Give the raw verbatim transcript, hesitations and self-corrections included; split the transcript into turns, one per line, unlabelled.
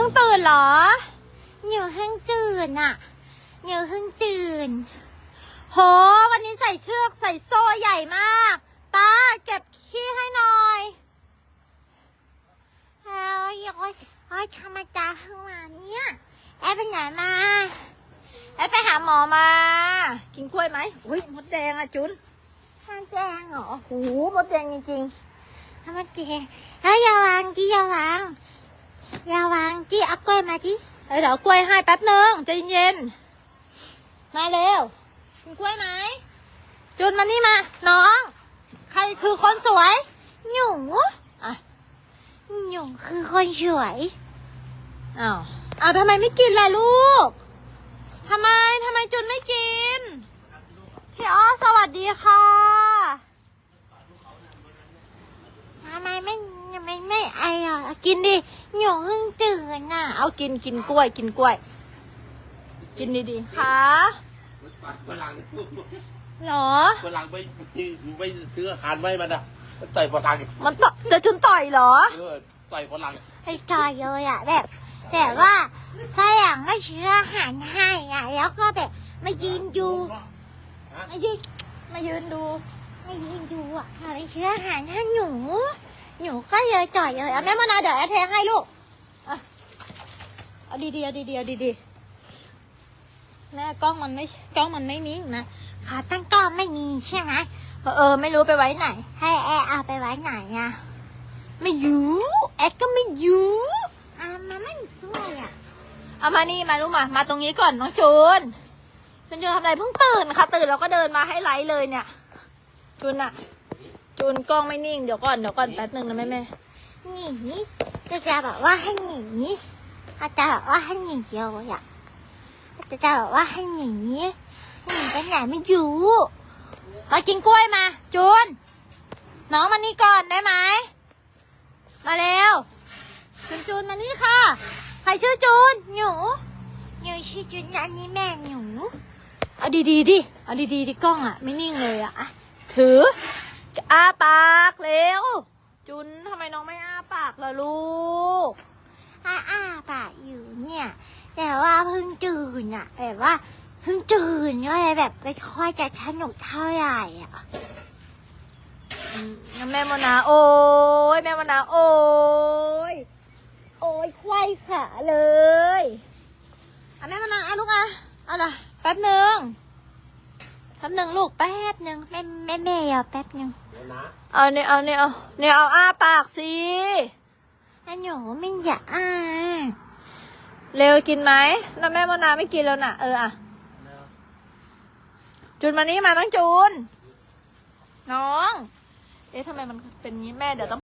ตื่นเหรอหนูเพิ่งตื่นอ่ะหนูเพิ่งตื่นโหวันนี้ใส่เชือกใส่โซ่ใหญ่มากตาเก็บขี้ให้หน่อยแล้วยังไงไอ้ธรรมดาเพิ่งมาเนี่ยแอบไปไหนมาแอบไปหาหมอมากินกล้วยไหมอุ้ยมดแดงอ่ะจุนมดแดงเหรอโหมดแดงจริงๆมดแดงเฮ้ยอย่าวางจีอย่าวางอย่าวางจีเอากล้วยมาจีเฮ้ยเดี๋ยวกล้วยให้แป๊บนึงใจเย็นมาเร็วกินกล้วยไหมจุนมานี่มาน้องใครคือคนสวยหนูอ่ะหนูคือคนสวยอ้าวอ้าวทำไมไม่กินล่ะลูกทำไมทำไมจุนไม่กินพี่อ้อสวัสดีค่ะทำไมไม่ไม่ไม่ไออ่ะกินดิหนูเพิ่งตื่นน่ะเอากินกินกล้วยกินกล้วยกินดีๆค่ะ
ฝรั่ง
หรอ
ฝรั่งไปไปซื้ออาหารไว้มันอ่ะต่อยฝรั่ง
มันต่อเดี๋ยวจุนต่อยเหรอ
เออต่อยฝรั่ง
ให้ต่อยเลยอ่ะแบบแบบว่าฝรั่งก็ซื้ออาหารให้อ่ะแล้วก็แบบมายืนดูมายืนมายืนดูมายืนดูอ่ะมาไปซื้ออาหารให้หนูหนูก็เลยต่อยเลยเอาแม่มานาเดี๋ยวแอร์เทให้ลูกอ่ะเอาดีๆเอาดีๆเอาดีๆแม่กล้องมันไม่กล้องมันไม่นิ่งนะขาตั้งกล้องไม่มีใช่ไหมเออไม่รู้ไปไว้ไหนให้แอร์เอาไปไว้ไหนอ่ะไม่อยู่แอร์ก็ไม่อยู่อ่ะมาไม่ด้วยอ่ะเอามานี่มาลูกมามาตรงนี้ก่อนน้องจูนจูนจูนทำอะไรเพิ่งตื่นค่ะตื่นแล้วก็เดินมาให้ไลฟ์เลยเนี่ยจูนอะจูนกล้องไม่นิ่งเดี๋ยวก่อนเดี๋ยวก่อนแป๊บนึงนะแม่แม่หนีจะจะบอกว่าให้หนีอาจจะบอกว่าให้หนีเดียวอ่ะจะจะบอกว่าให้หนีหนีไปไหนไม่อยู่มากินกล้วยมาจูนน้องมานี่ก่อนได้ไหมมาเร็วจูนจูนมานี่ค่ะใครชื่อจูนหนูหนูชื่อจูนอันนี้แม่หนูเอาดีๆดิเอาดีๆดิกล้องอ่ะไม่นิ่งเลยอ่ะถืออ้าปากเร็วจูนทำไมน้องไม่อ้าปากล่ะลูกอ้าอ้าปากอยู่เนี่ยแต่ว่าเพิ่งตื่นอ่ะแบบว่าเพิ่งตื่นก็เลยแบบไม่ค่อยจะสนุกเท่าไหร่อ่ะแม่มนาโอ้ยแม่มนาโอ้ยโอ้ยควายขาเลยอ่ะแม่มนาอ่ะลูกอ่ะเอาล่ะแป๊บหนึ่งแป๊บหนึ่งลูกแป๊บหนึ่งแม่แม่แม่เอาแป๊บหนึ่งเอาเนี่ยเอาเนี่ยเอาเนี่ยเอาอ้าปากสิแล้วหนูไม่อยากอ้าเร็วกินไหมแล้วแม่มนาไม่กินแล้วน่ะเอออ่ะจูนมานี่มาต้องจูนน้องเอ๊ะทำไมมันเป็นงี้แม่เดี๋ยวต้อง